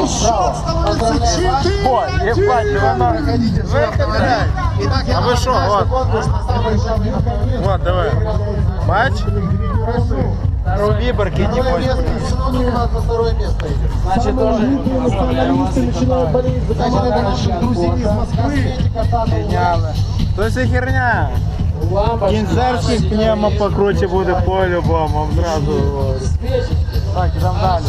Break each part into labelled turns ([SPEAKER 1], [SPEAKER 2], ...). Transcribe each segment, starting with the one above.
[SPEAKER 1] Ой, ебать, а вы шо, вот. Вот, давай. Бач? С виборки не можешь.
[SPEAKER 2] Значит, тоже начинают болеть за наших друзей из Москвы.
[SPEAKER 1] Гениально. То есть херня. Кінзерський пневмо покруче буде по-любому. Зразу. Так, ідемо далі.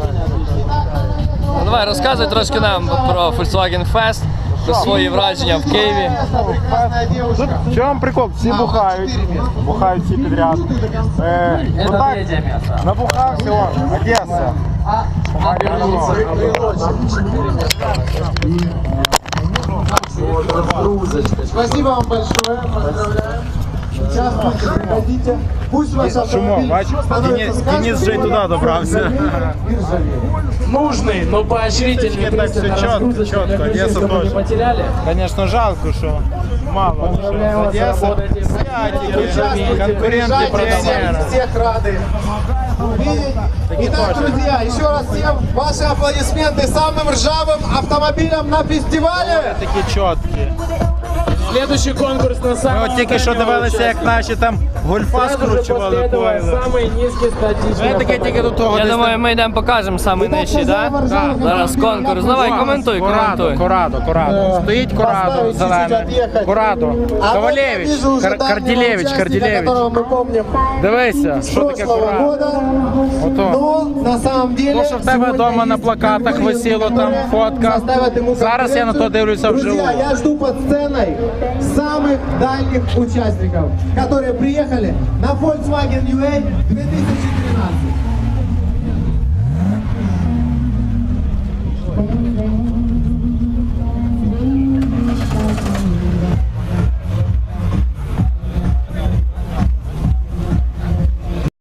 [SPEAKER 3] Ну, давай, розказуй трошки нам про Volkswagen Fest, про свої враження в Києві.
[SPEAKER 1] Тут в чому прикол? Всі бухають всі підряд. Ну так, набухався, он, Одеса.
[SPEAKER 2] Спасибо вам большое. Поздравляем. Участвуйте, приходите. Пусть ваш автомобиль
[SPEAKER 1] Денис же и туда добрался.
[SPEAKER 4] Нужный, но поощрительный
[SPEAKER 1] Так все четко, Одесса тоже.
[SPEAKER 4] потеряли.
[SPEAKER 1] Конечно, жалко, что мало. Одесса, конкуренты продавали.
[SPEAKER 2] Всех рады видеть. Итак, друзья, еще раз всем ваши аплодисменты самым ржавым автомобилям на фестивале.
[SPEAKER 1] Такі чіткі.
[SPEAKER 4] Следующий конкурс на
[SPEAKER 1] Ми
[SPEAKER 4] самом
[SPEAKER 1] от тільки що дивилися, як наші там гольфа скручували койли.
[SPEAKER 4] самый низкий статичный.
[SPEAKER 1] Ми таке тільки до того
[SPEAKER 3] Я
[SPEAKER 1] десь
[SPEAKER 3] думаю,
[SPEAKER 1] там.
[SPEAKER 3] ми йдемо покажемо самий нижчий, так? Зараз конкурс. Давай, коментуй.
[SPEAKER 1] Корадо. Стоїть Корадо, зелене. Корадо. Ковалевич, Карділевич.
[SPEAKER 2] Которого мы помним
[SPEAKER 1] Дивися,
[SPEAKER 2] с
[SPEAKER 1] що таке
[SPEAKER 2] прошлого
[SPEAKER 1] Корадо.
[SPEAKER 2] года.
[SPEAKER 1] Ото.
[SPEAKER 2] Но на самом деле
[SPEAKER 1] То, що в тебе
[SPEAKER 2] сегодня
[SPEAKER 1] вдома на
[SPEAKER 2] есть
[SPEAKER 1] плакатах
[SPEAKER 2] фигуры,
[SPEAKER 1] висіло, там
[SPEAKER 2] которые
[SPEAKER 1] фотка.
[SPEAKER 2] составят ему
[SPEAKER 1] Зараз я на то дивлюся вживу.
[SPEAKER 2] Друзья, я жду под сценой самых дальних участников, которые приехали на Volkswagen UA 2013.